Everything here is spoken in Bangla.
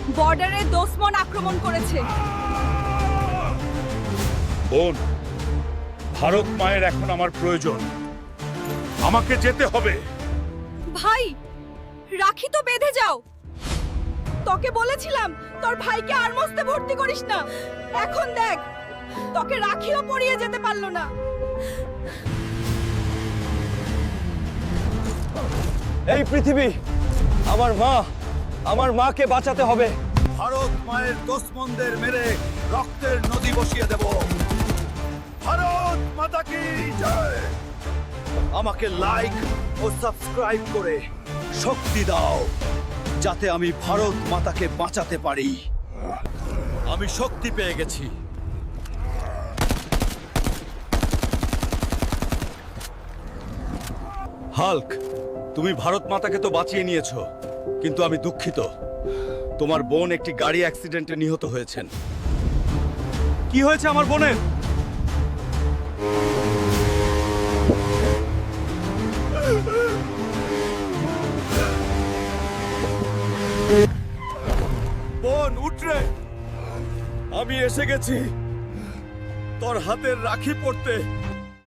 বর্ডারে দুশমন আক্রমণ করেছে। বোন, ভারত মায়ের এখন আমার প্রয়োজন। আমাকে যেতে হবে। ভাই, রাখি তো বেঁধে যাও। তোকে বলেছিলাম তোর ভাইকে আর্মসতে ভর্তি করিস না। এখন দেখ, তোকে রাখিও পরিয়ে যেতে পারলো না। এই পৃথিবী, আমার মাকে বাঁচাতে হবে। ভারত মায়ের দুশমনদের মেরে রক্তের নদী বসিয়ে দেব। ভারত মাতা কি জয়। আমাকে লাইক ও সাবস্ক্রাইব করে শক্তি দাও, যাতে আমি ভারত মাতাকে বাঁচাতে পারি। আমি শক্তি পেয়ে গেছি। হাল্ক, তুমি ভারত মাতাকে তো বাঁচিয়ে নিয়েছো, কিন্তু আমি দুঃখিত। তোমার বোন একটি গাড়ি অ্যাক্সিডেন্টে নিহত হয়েছেন। কি হয়েছে আমার বোনের? বোন, উঠরে, আমি এসে গেছি তোর হাতের রাখি পড়তে।